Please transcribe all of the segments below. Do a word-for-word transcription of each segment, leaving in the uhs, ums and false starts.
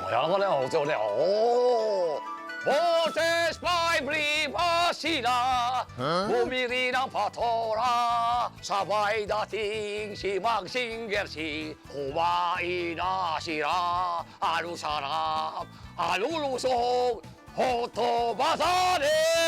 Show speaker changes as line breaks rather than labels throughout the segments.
양반의 어쩌네. 오. 모세스 바이브리 바시라 무미리랑 파토라 사바이다 팅시망싱게시 호바이나시라 아루사람 아루루송 호토바사네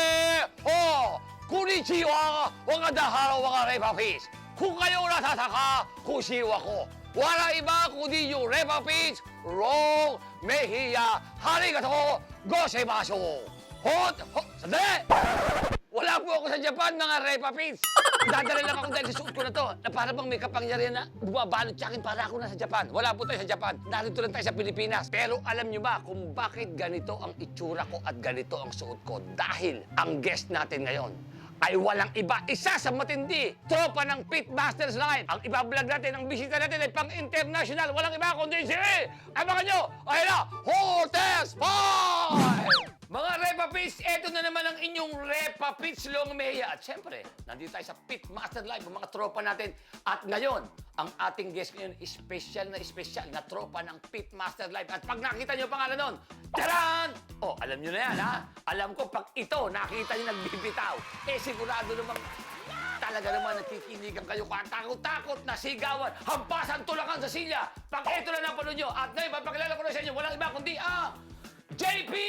어 구리치와 와가다하라 와가레바피스 쿠가요라 사사카 쿠시와코 와라이바 kudiyo repapits rong mehiya harigato gozaimasu. Hot, hot, sandali! Wala po ako sa Japan, mga repapits. Dadali lang ako dahil sa suot ko na to, na para bang may kapangyarihan na bumabalot sa akin para ako na sa Japan. Wala po tayo sa Japan. Narito lang tayo sa Pilipinas. Pero alam nyo ba kung bakit ganito ang itsura ko at ganito ang suot ko? Dahil ang guest natin ngayon ay walang iba. Isa sa matindi, tropa ng Pitmasters Line. Ang ibablog natin, ang bisita natin ay pang-international. Walang iba kundi si... Abangan nyo! Ayun na! Hortes Five! Mga Repapits, eto na naman ang inyong Repapits Longmeya. At syempre, nandito tayo sa Pitmaster Live, ang mga tropa natin. At ngayon, ang ating guest ngayon, special na special na tropa ng Pitmaster Live. At pag nakita nyo ang pangalan nun, taran! Oh, alam nyo na yan, ha? Alam ko, pag ito, nakita nyo nagbibitaw, eh sigurado namang talaga naman nakikinigan kayo kung takot-takot na sigawan, hampasan, tulakan sa silya. Pag ito na napanood nyo, at ngayon, papakilala ko na sa inyo, walang iba kundi ang J P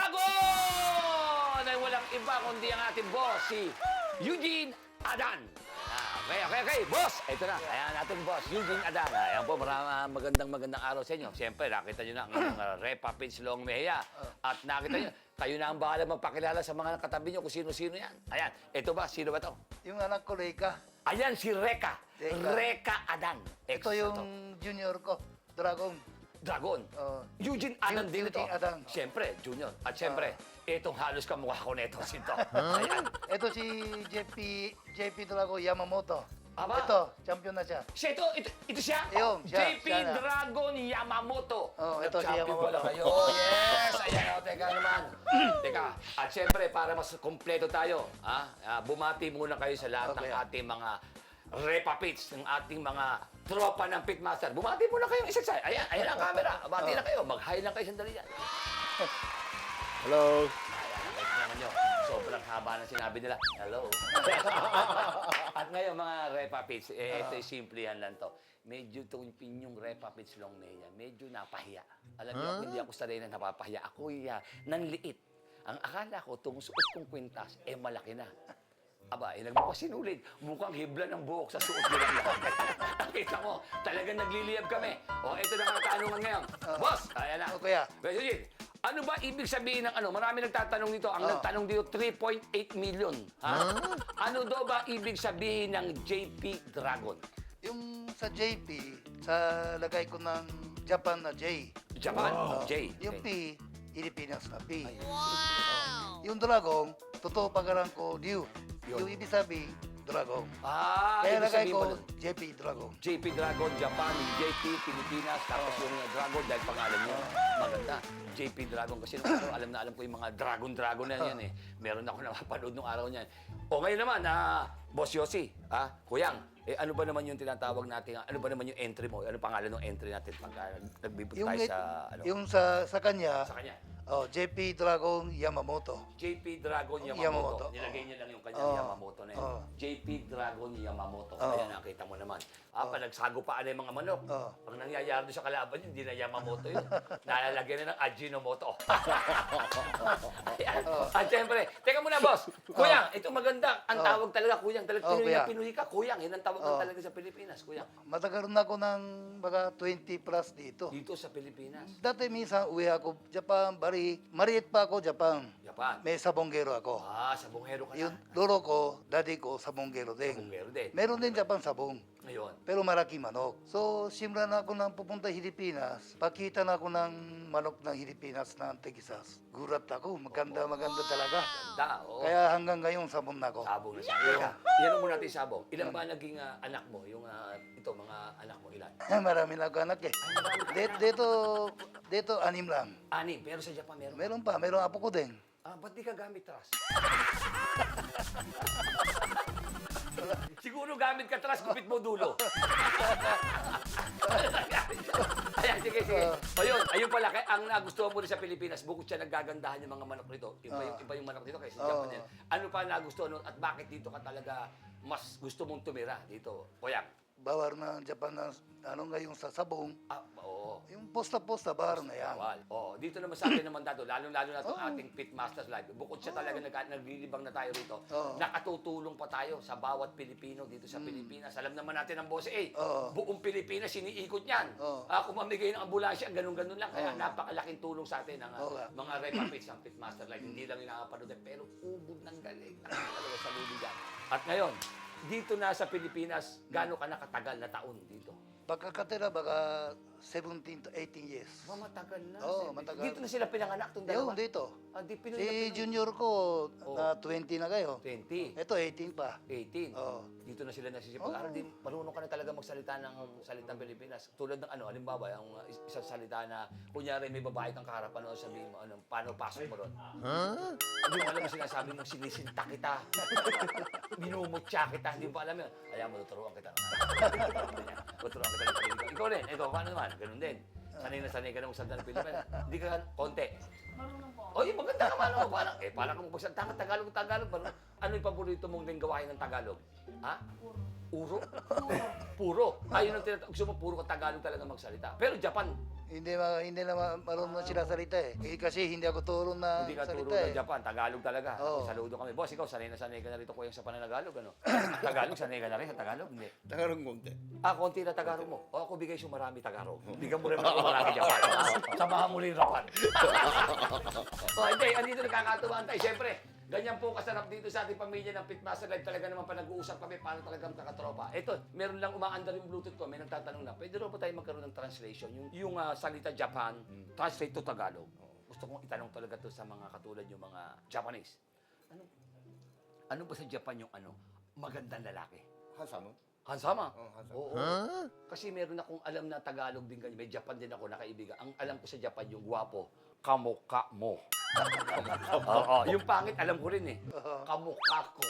Dragon! Ay walang iba kundi ang ating boss, si Eugene Adan. Ah, okay, okay, okay. Boss, ito na. Ayan ating boss, Eugene Adan. Ayan po, maraming magandang magandang araw sa inyo. Siyempre, nakita nyo na ang inyong uh, Repapits Longmeya. At nakita nyo, kayo na ang bahala magpakilala sa mga katabi nyo kung sino-sino yan. Ayan, ito ba? Sino ba to?
Yung anak ko, Reka.
Ayan, si Reka.
Reka.
Reka Adan. Ex-
Ito yung junior ko, Dragon.
Dragon.
Oh.
Eugene Adan
Eu-
din ito.
Eugene Adan.
Siyempre, Junior. At siyempre, itong halos kamukha ko nito, sinto. Ayan.
Ito si J P, J P Dragon Yamamoto.
Aba.
Ito, champion na siya.
Siya ito, ito, ito siya?
Yung, siya,
J P
siya na.
Dragon Yamamoto.
Oh, ito si
Nag-champion
Yamamoto.
pala kayo. Oh, yes! Ayan, o, teka naman. Teka, at siyempre, para mas kompleto tayo, ha? Ah, bumati muna kayo sa lahat ng
Okay.
ating mga Repapits, ng ating mga tropa ng Pitmaster. Bumati muna kayo isa-isa. Ayan, ayan ang camera. Bati na kayo. Mag-hi lang kayo sandali yan.
Hello.
Ayan, nakita naman nyo. Sobrang haba na sinabi nila. Hello. At ngayon, mga Repapits, eh, ito'y simple yan lang to. Medyo itong pinyong Repapits Longmeya, medyo napahiya. Alam niyo, ako, hindi ako sanay na napapahiya. Ako uh, nanliit. Ang akala ko, itong suot kong kwintas, eh malaki na. Aba, eh, nagpasinulid. Mukhang hibla ng buhok sa suot nila. Nakita mo, talagang nagliliyab kami. O, ito na ang katanungan ngayon. Boss, ayan na.
O, kuya.
Pero yun, ano ba ibig sabihin ng ano? Marami nagtatanong dito. Ang
Oh.
nagtanong dito, three point eight million. Ha? Ano daw ba ibig sabihin ng J P Dragon?
Yung sa J P, sa lagay ko ng Japan na J.
Japan,
Oh,
J.
Yung
Okay.
P, Pilipinas na P. Wow! Yung Dragon, totoo pagaran ko, Liu.
Yun.
Yung ibig sabi, Dragon.
Ah,
Kaya
ibig
lagay
sabihin
ko,
mo nun,
J P Dragon.
J P Dragon, Japan, yung J P, Pilipinas, tapos yung uh, Dragon dahil pangalan niya. Maganda. J P Dragon kasi nung araw, alam na alam ko yung mga Dragon-Dragon na yan eh. Meron ako napapanood nung araw niyan. O ngayon naman, ah, Boss Yossi, ah, Kuyang, eh, ano ba naman yung tinatawag natin, ano ba naman yung entry mo? Ano pangalan ng entry natin pag uh, nagbibig
Yung,
tayo sa, ano,
yung sa, sa kanya,
sa kanya?
oh, J P Dragon Yamamoto.
J P Dragon Yamamoto.
Yamamoto.
Nilagay niya lang yung kanyang
Oo.
Yamamoto na yun.
Oo.
J P Dragon Yamamoto.
Oo.
Ayan, nakita mo naman. Ah, pag nagsagupaan na yung mga manok.
Oo.
Pag nangyayari doon sa kalaban yun, hindi na Yamamoto yun. Nalalagyan na ng Ajinomoto. Ayan. At syempre, teka muna boss. Kuyang, ito maganda. Ang
Oo.
tawag talaga, Kuyang. Talaga
Oo,
Pinoy na
kuya.
Pinoy ka, Kuyang. Yan ang tawag
Oo.
talaga sa Pilipinas, Kuyang.
Matagal na ako ng mga twenty plus dito.
Dito sa Pilipinas.
Dati minsan uwi ako Japan, bari, mariit pa ako Japan.
Japan.
May sabonggero ako.
Ah, sa Bunghero ka
Yung
na.
lolo ko, daddy ko, sabonggero din.
Bunghero din.
Meron din Japan sabong.
Ngayon.
Pero malaki manok. So, simula na ako nang pupunta Pilipinas. Pakita na ako ng manok ng Pilipinas na Antigisas. Gurat ako. Maganda, maganda talaga.
Da, oo.
Kaya hanggang ngayon sabon na ako.
Sabong na siya. Teka, yan mo natin sabong. Ilan ba naging ah, anak mo? Yung ah, ito, mga anak mo, ilan?
Marami na ako anak eh. Dito, dito, dito, anim lang.
Anim, pero sa Japan meron.
Meron pa, meron apo ko din.
Ah, ba't di ka gamit trust? Siguro gamit ka trust, kupit mo dulo. Ayan, sige, sige.
Ah.
O yun, ayun pala, kaya ang nagustuhan mo rin sa Pilipinas, bukod siya nagagandahan yung mga manok nito, iba, yung,
Ah.
iba yung manok dito kaysa sa
Oo.
Japan yan. Ano pa nagustuhan nun at bakit dito ka talaga mas gusto mong tumira dito? Kuya?
Bawar na Japan na ano ngayong sa sabong.
Ah, oo.
Yung posta-posta bar na yan.
Bawal. Oo, dito naman sa atin naman dato, lalo-lalo na itong
Oo.
ating Pitmasters Live. Bukod siya talaga nag naglilibang na tayo rito,
Oo.
nakatutulong pa tayo sa bawat Pilipino dito sa Pilipinas. Alam naman natin ang boss, eh,
Oo.
buong Pilipinas siniikot niyan.
Oo.
Ah, kung mamigay ng ambulansya, ganun-ganun lang. Kaya
Oo.
napakalaking tulong sa atin ang ah,
Oo nga.
mga repapits ng Pitmaster Live. Hindi lang yung nakapanood, pero ubod ng galing. Nakakalawa sa luli dyan. At ngayon, dito na sa Pilipinas, gaano ka nakatagal na taon dito?
Pagkakatira baka seventeen to eighteen years.
Oh, matagal na.
Oo,
Seven.
matagal.
Dito na sila pinanganak, itong dalawa.
Yung dito.
Ah, di Pinoy na
Si
Pinoy.
junior ko na twenty na kayo.
twenty,
Ito eighteen pa.
eighteen.
Oo.
Dito na sila nasisipag-aral.
Oo.
Din, marunong ka na talaga magsalita ng salitang Pilipinas. Tulad ng ano, halimbawa, yung uh, is- isang salita na, kunyari may babae kang kaharapan, ano, sabihin mo, ano, paano pasok mo ron? Hindi mo alam yung sinasabi mong sinisinta kita. Minumutya kita. Hindi mo pa alam yun. Kaya mo, tuturuan kita. Tuturuan kita ng Pilipinas. Ikaw rin. Ikaw, paano naman? Ganun din. Sanay na sanay ka ng salita ng Pilipinas. Hindi ka konti.
Marunong po ako.
Oy, maganda naman ako. Parang, eh, parang kung magsalita ka Tagalog, Tagalog. Parang, ano yung paborito mong linggawain ng Tagalog? Ha?
Puro.
Uro? Puro. Ayun ang tinatawag. Gusto mo, puro ka Tagalog talaga magsalita. Pero Japan,
Hindi ma, hindi na ma- marunong sila salita eh. Eh, kasi hindi ako turo na
hindi ka turo
salita
ng
eh.
Japan. Tagalog talaga.
Oo.
Saludo kami. Boss, ikaw, sanay na sanay ka na rito kuya sa pananagalog, ano? Tagalog, sanay ka na rin sa Tagalog? Hindi.
Tagarong konti.
Ah, konti na Tagalog mo. O, ako bigay siya marami Tagalog. Bigyan mo rin ako marami Japan. Samahan mo rin rapan. O, hindi. Andito nagkakatuwaan tayo. Siyempre, ganyan po kasarap dito sa ating pamilya ng Pitmaster Live. Talaga naman pa nag-uusap kami paano talagang kakatropa. Ito, meron lang umaandar yung Bluetooth ko. May nagtatanong na, pwede rin po tayo magkaroon ng translation? Yung, yung ah, salita Japan, translate to Tagalog. Gusto kong itanong talaga to sa mga katulad yung mga Japanese. Ano? Ano ba sa Japan yung ano? Magandang lalaki.
Handsome.
Hansama?
Oh, handsome.
Oo. Kasi meron akong alam na Tagalog din ganyan. May Japan din ako na kaibigan. Ang alam ko sa Japan yung gwapo, kamukha mo. Oo, yung pangit alam ko rin eh. Kamukha ko.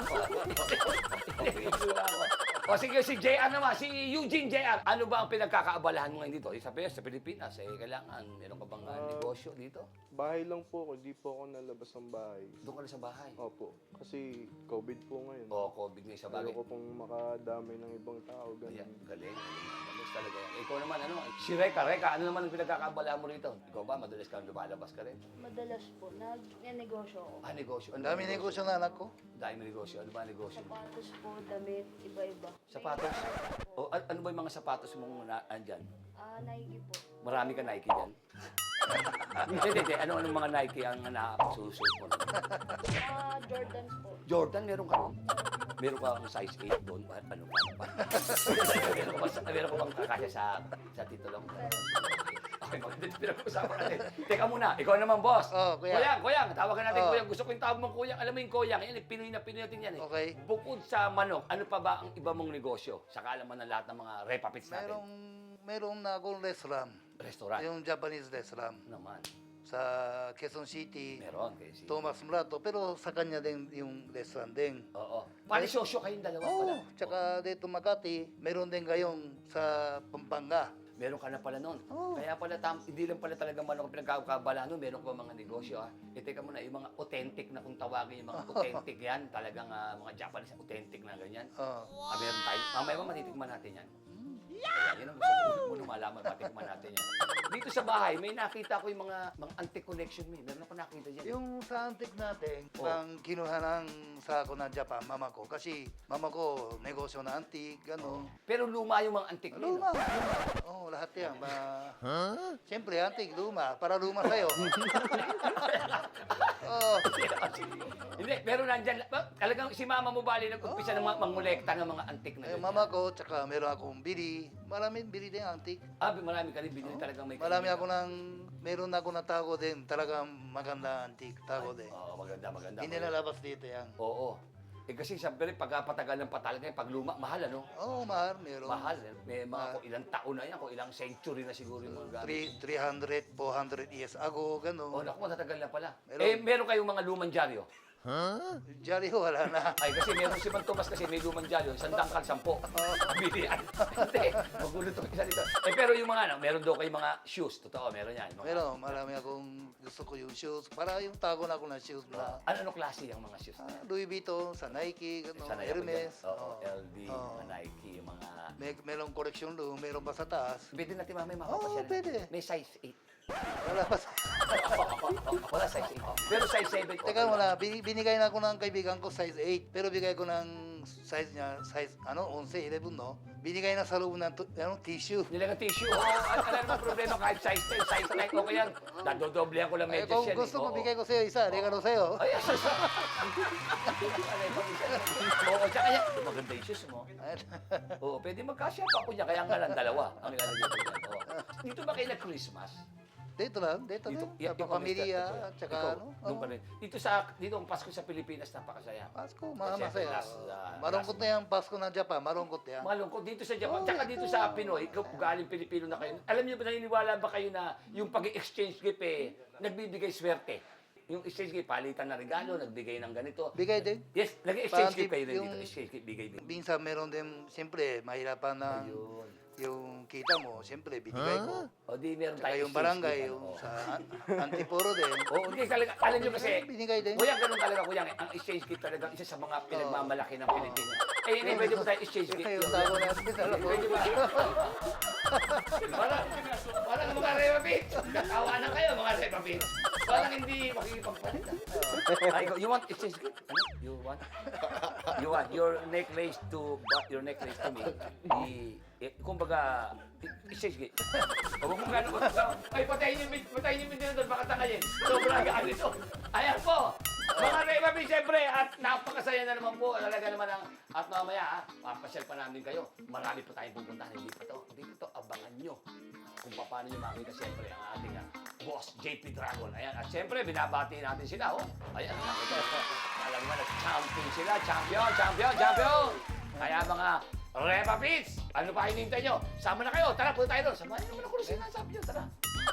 Yung itsura ko. O sige, si J R naman, si Eugene J R. Ano ba ang pinagkakaabalahan mo ngayon dito? Eh, Sabi sa Pilipinas, eh, kailangan, meron ka bang ah, negosyo dito?
Bahay lang po ako, di po ako nalabas ng bahay.
Doon ka na sa bahay.
Opo, kasi COVID po ngayon.
O, COVID na sa bagay.
Ayoko pong makadamay ng ibang tao,
Ayan,
ganun.
galing. Galing talaga yan. Ikaw naman, ano? Si Reka, Reka, ano naman ang pinagkakaabalahan mo rito? Ikaw ba, madalas kang lumalabas ka rin?
Madalas po, nag-negosyo ako.
Ah, negosyo.
Ang dami negosyo na anak ko.
Dahil may negosyo. Ano ba ang negosyo mo?
Sapatos po, damit, iba-iba.
Sapatos? O, an- ano ba yung mga sapatos mong na, andyan?
Ah, Nike po.
Marami ka Nike dyan? Hindi, hindi, hindi. Ano, anong mga Nike ang nakapagsusuot mo?
Ah, Jordans po.
Jordan, meron ka ron? Meron ka ang size eight doon? Pa- Ano pa? Ano pa? meron ka ba, meron ka bang kakasya sa, sa titulo mo? Okay, maganda ito pinag-usapan natin. Teka muna, ikaw naman, boss.
Oh, kuya.
Kuyang, kuyang, tawagan natin
Oh.
kuyang. Gusto ko yung tawag mong kuyang. Alam mo yung kuyang, yan, eh, Pinoy na Pinoy natin yan eh.
Okay.
Bukod sa manok, ano pa ba ang iba mong negosyo? Sa kaalaman ng lahat ng mga repapits natin.
Merong, meron na akong restaurant.
Restaurant.
Yung Japanese restaurant.
Naman.
Sa Quezon City.
Meron. Kaya si...
Thomas Murato. Pero sa kanya din yung restaurant din.
Oo. Panisosyo kayong dalawa
Oo,
pala.
tsaka dito Makati, meron din kayong sa Pampanga.
Meron ka na pala noon.
Oo.
Kaya pala, tam, hindi lang pala talaga manok ang pinagkakabala noon. Meron ka ba mga negosyo, ha? E, teka muna, yung mga authentic na kung tawagin, yung mga authentic yan, talagang ah, mga Japanese authentic na ganyan.
Oo.
Ah, meron tayo. Mamaya ba matitikman natin yan? Kaya yun ang gusto ko muna malaman, matikman natin yan. Dito sa bahay, may nakita ko yung mga, mga antique collection mo. eh. Meron ako nakita dyan.
Yung sa antik natin,
Oh.
pang kinuha ng sa ako ng Japan, mama ko. Kasi mama ko, negosyo na antik, gano'n.
Pero luma yung mga antique niyo.
Luma, luma. Oo, oh, lahat yan. Ma... Siyempre, antik, luma. Para luma sa'yo. Oo.
Hindi, pero nandyan, ba- talagang si mama mo bali nag-umpisa ng mga mangolekta ng mga antique na
Eh,
ganyan.
mama ko, tsaka meron akong bili. Maraming bili din antik.
Ah, marami ka rin binili talagang may
Marami ako ng, meron ako na tago din. Talagang maganda antik, tago din.
Oo, maganda, maganda.
Hindi nalabas dito yan.
Oo. Eh kasi sabi rin, pag patagal ng patalaga, pag luma, mahal ano?
Oo, oh, mahal, meron.
Mahal. eh. May mga kung ilang taon na yan, kung ilang century na siguro yung mga gamit.
Three- three hundred, four hundred years ago,
Oh,
gano'n.
naku, matatagal na pala.
Meron.
Eh, meron kayong mga lumang dyaryo.
Jolly ho, wala na.
Ay, kasi meron si Man Tomas kasi may lumang dyan yun, isang dangkal, sampo. Bilian. Hindi, magulo to isa dito. Eh, pero yung mga, ano, meron daw kayo mga shoes, totoo, meron yan. Mga,
Pero marami akong gusto ko yung shoes. Para yung tago na ako ng shoes na
ano, ano klase yung mga shoes?
ah, Louis Vuitton, sa Nike, ano,
Sanay ako dyan.
Hermes.
Oo,
Oo.
L D,
Oo.
mga Nike, yung mga...
May, merong correction doon, meron pa sa taas.
Pwede natin mamaya
Oo,
mapapasya.
pwede.
May size eight.
Wala pa sa...
Wala size eight. Pero size seven.
Teka wala, Bin- binigay na ako ng kaibigan ko size eight. Pero bigay ko ng size niya, size ano, eleven, eleven, no? Binigay na sa loob ng tu- ano, tissue.
Nilang tissue. Oo, at wala naman problema kahit size ten, size nine, okay yan. Dadodoblehan ko lang
Ay,
medyas
kung
yan.
gusto
eh.
mo,
Oo.
bigay ko sa'yo isa, regalo sa'yo.
Ay, asa sa... Oo, tsaka yan. Maganda yung shoes mo. Oo, pwede magkasya pa ako niya. Kaya nga lang dalawa. Ang nilalagay ko dyan. Oo. Dito ba kayo nag-Christmas?
Dito lang, dito,
Dito,
din. Sa pamilya, at saka
Ikaw,
ano.
nung
oo.
pa rin. Dito sa, dito ang Pasko sa Pilipinas, napakasaya.
Pasko,
Kasi
masaya.
last, uh,
Marungkot
last-
na yung Pasko ng Japan, marungkot yan.
Malungkot dito sa Japan,
Oh,
tsaka dito
ito.
sa Pinoy, ikaw galing Pilipino na kayo. Alam niyo ba, naniniwala ba kayo na yung pag-exchange gift eh, nagbibigay swerte? Yung exchange gift, palitan na regalo, nagbigay ng ganito.
Bigay din.
Yes, nag-exchange
Parang
gift kayo din
yung-
dito. Exchange gift, bigay din.
Minsan meron din, siyempre, mahirapan na
Ayun.
yung kita mo, siyempre, binigay ko.
O di meron
Tsaka
tayo
yung
exchange
barangay,
gift,
yung
ano,
sa an- Antiporo din.
Oo, hindi talaga. Alam niyo kasi,
Binigay din.
kuya, ganun talaga, kuya. Ang exchange gift talaga, isa sa mga pinagmamalaki ng Pilipinas. Eh, hindi, pwede mo tayo exchange gift.
Yung tago natin, alam mo.
Pwede ba? Parang, parang mga Reba Beats. Katawa na kayo, mga Reba Beats. Parang hindi makikipagpalit. ah. Ay, you want exchange gift? Ano? You want? You want your necklace to, but your necklace to me. I, eh, kumbaga, exchange gift. Huwag mo gano'n ko. Ay, patayin yung, patayin yung video doon, baka tangayin. Sobrang gaan ito. Ayan po. Mga Reba Beats, siyempre, at napakasaya na naman po. Talaga naman ang, at mamaya, ha, papasyal pa namin kayo. Marami pa tayong pupuntahan. Hindi pa to, hindi pa to, abangan nyo. Kung paano nyo makita, siyempre, ang ating ah, boss, J P Dragon. Ayan, at siyempre, binabati natin sila, oh. Ayan, nakita. Alam mo na, champion sila. Champion, champion, champion. Kaya mga Reba Beats, ano pa hinihintay nyo? Sama na kayo, tara, punta tayo doon. Samahan nyo naman ako na sinasabi nyo, tara.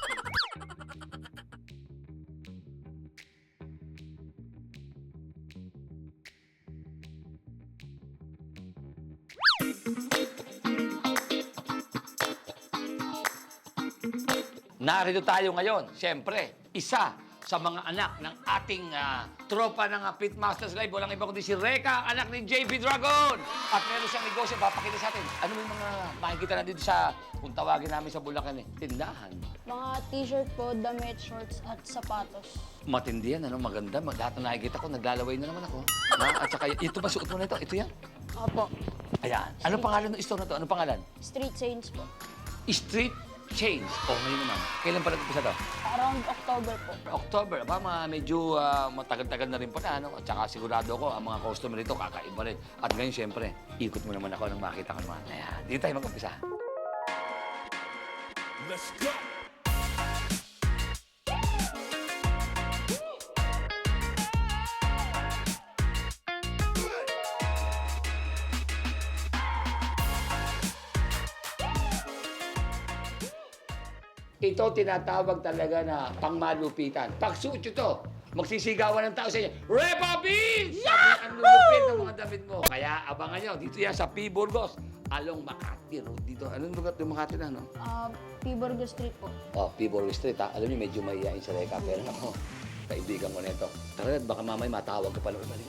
Narito tayo ngayon, siyempre, isa sa mga anak ng ating ah, tropa ng uh, Pitmasters Live. Walang iba kundi si Reka, anak ni J P Dragon. At meron siyang negosyo, papakita sa atin. Ano yung mga makikita na dito sa, kung tawagin namin sa Bulacan eh, tindahan.
Mga t-shirt po, damit, shorts, at sapatos.
Matindi yan, ano, maganda. Mag- Lahat na nakikita ko, naglalaway na naman ako. Na, at saka, ito ba, suot mo na ito? Ito yan?
Opo.
Ayan. Ano pangalan ng store na to? Ano pangalan?
Street Saints po.
Street Change. Oh, ngayon naman. Kailan pa nag-umpisa to?
Around October po.
October, ba, mga medyo ah, matagal-tagal na rin pala, ano? At saka sigurado ko, ang mga customer dito, kakaiba rin. At ngayon, siyempre, ikot mo naman ako nang makita ko naman. Ayan, dito tayo mag-umpisa.
Let's go.
Ito tinatawag talaga na pangmalupitan. Pagsuot nyo to, magsisigawan ng tao sa inyo, Repa Beats! Sabi, ang lulupit ng mga damit mo. Kaya abangan nyo, dito yan sa P. Burgos, along Makati Road. Dito, anong lugar yung Makati na, no?
Uh, P. Burgos Street po.
Oh, P. Burgos Street, ha? Alam niyo, medyo mahihain sa Reka, pero ako, kaibigan ko na ito. Tara, baka mamay matawag ka pala. Balikan.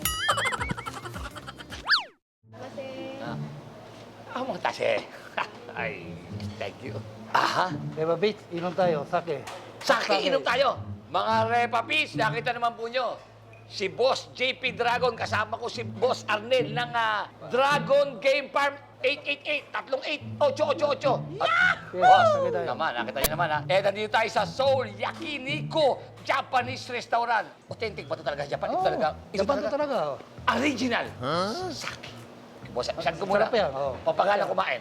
Kasi
Ah, ah mga tase. Ay, thank you. Aha,
Reba Beats, inom tayo, sake.
Saki, inom tayo. Mga Repa Beats, nakita naman po nyo. Si Boss J P Dragon, kasama ko si Boss Arnel ng ah, Dragon Game Farm eight eight eight, tatlong eight, ocho ocho ocho. At, boss,
sakit tayo.
naman, nakita nyo naman ha. Eh, nandito tayo sa Seoul Yakiniku Japanese Restaurant. Authentic ba ito talaga? Japan? Ito
Oh,
talaga? Ito
Japan to talaga. oh.
Original. Saki. Boss, saan ko muna?
Sarap yan, oh.
Papagalan kumain.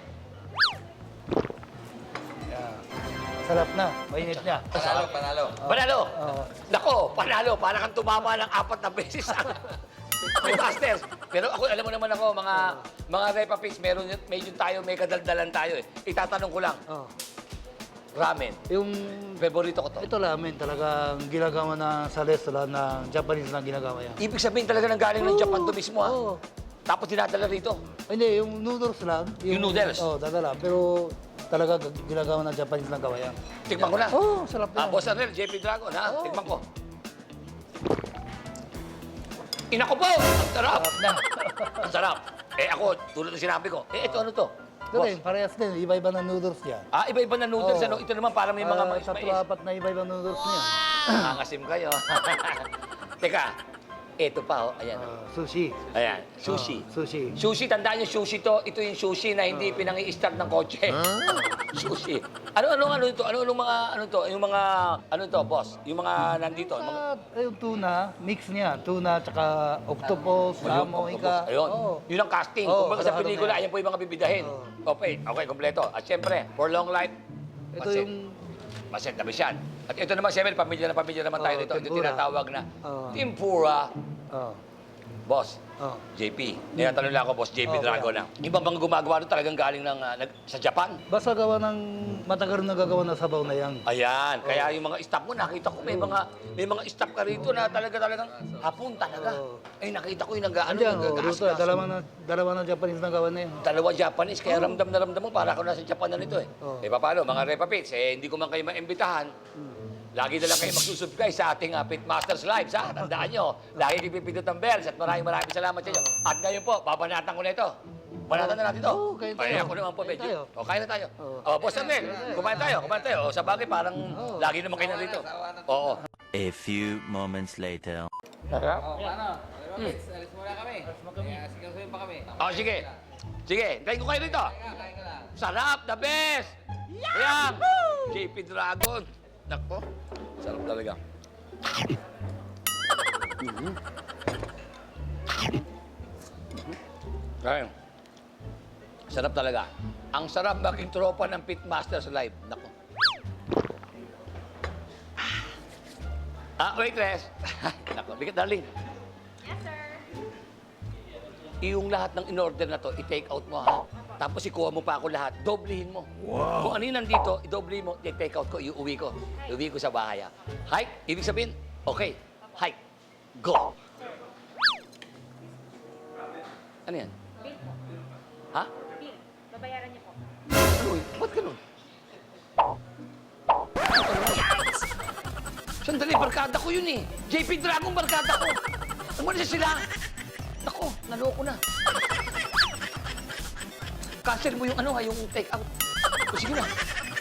Yeah. Sarap na, mainit niya.
Panalo, panalo. Panalo.
Oo.
Nako, panalo. Para kang tumama ng apat na beses ang Masters. Pero ako, alam mo naman ako, mga mga Repa Beats, meron, medyo tayo, may kadaldalan tayo eh. Itatanong ko lang,
Oh.
Ramen.
Yung
Favorito ko to.
ito ramen talagang ginagawa na sa restaurant na Japanese na ginagawa yan.
Ibig sabihin talaga ng galing ng Japan to mismo, ha?
Oo.
Tapos dinadala rito.
Hindi, yung noodles lang.
Yung noodles?
Oo, dadala. Pero talaga g- ginagawa na Japanese na gawa yan.
Tikman ko na.
Oo, sarap
Ah,
yan.
Boss Arnel, J P Dragon, ha?
Oo.
Tikman ko. Ina ko po! Ang sarap!
Sarap na.
Ang sarap. Eh ako, tulad ng sinabi ko, eh ito ano to?
Ito rin, parehas din. Iba-iba na noodles yan.
Ah, iba-iba na noodles,
Oo.
ano? Ito naman para may mga
Ah,
mais
tatlo,
mais.
apat na iba-iba noodles niya.
Nangangasim kayo. Teka, ito pa, oh. Ayan. oh.
Ah, sushi.
Ayan, sushi.
Ah, sushi.
Sushi, tandaan niyo sushi to. Ito yung sushi na hindi pinangi-start ng kotse. Sushi. Ano-ano ano ito? Ano-ano mga ano to? Yung mga ano to, boss? Yung mga nandito, mga
Sa, eh, yung tuna, mix niya. Tuna, tsaka octopus, salmo, ika.
Ayun.
Oo.
Yun ang casting.
Oo,
Kung sa
ano
pelikula,
na yan.
ayan po yung mga bibidahin. Okay, okay, kompleto. At syempre, for long life,
Ito
maset.
yung
Maset na bisyan. At ito naman, syempre, pamilya na pamilya naman tayo
Oo,
dito. Ito
tempura.
tinatawag na
Oo.
tempura.
oh,
Boss,
oh.
J P. Tinatanong lang ako, Boss J P
Oo,
Dragon na. Ibang bang gumagawa doon talagang galing ng, ah, nag- sa Japan?
Basta gawa ng matagal na gagawa na sabaw na yan.
Ayan, kaya yung mga staff mo, nakita ko may mga may mga staff ka rito na talaga talagang hapon talaga.
Oo.
Ay, nakita ko yung nag ano,
Andiyan, oh,
nag-gas-
luto. Dalawa na, dalawa na Japanese na gawa na yan.
Dalawa Japanese, kaya ramdam na ramdam mo, para ako nasa Japan na nito eh.
Oo.
Eh, paano, mga Repa Pits, eh, hindi ko man kayo maimbitahan. Lagi na lang kayo magsusubscribe sa ating uh, Pitmasters Lives, ha? Tandaan nyo, lagi kayo pipindot ang bells at maraming maraming salamat sa inyo. At ngayon po, babanatan ko na ito. Banatan na natin ito.
Oo, kain tayo.
Ay, ako naman po,
Kain
medyo.
tayo.
O, kain na tayo.
Oo.
O, Boss Arnel, kumain tayo, kumain tayo. O, sa bagay, parang lagi naman kayo nandito. Oo.
A few moments later.
Sarap.
Oh, ano? Alis alis muna kami. Kaya sigasuhin pa kami.
O, sige. Sige, kain ko kayo rito.
Kain ka lang.
Sarap, the best! Ayan, J P Dragon. Nako, sarap talaga. Mhm. Ayun. Sarap talaga. Ang sarap maging tropa ng Pitmasters Live. Nako. Ah, waitress. Nako, bigat darling.
Yes, sir.
Yung lahat ng in-order na to, i-take out mo ha. Tapos ikuha mo pa ako lahat, doblehin mo. Wow. Kung ano yung nandito, i-doble mo, i-take out ko, iuwi ko. Iuwi ko sa bahay ha. Hike, ibig sabihin, okay, hike, go. Ano yan?
Bill po.
Ha?
Bill. Babayaran niyo po.
Ano yun? Ba't ganun? Sandali, barkada ko yun eh. J P Dragon, barkada ko. Umalis sila. Nako, naloko na. Cancel mo yung ano ha, yung take out. O sige na.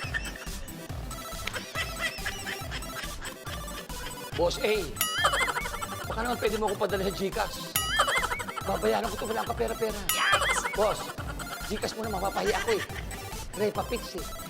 Boss A, baka naman pwede mo akong padala sa Gcash. Babayaran ko ito, wala ka pera-pera. Boss, Gcash mo na, mapapahiya ako eh. Repa Pix eh.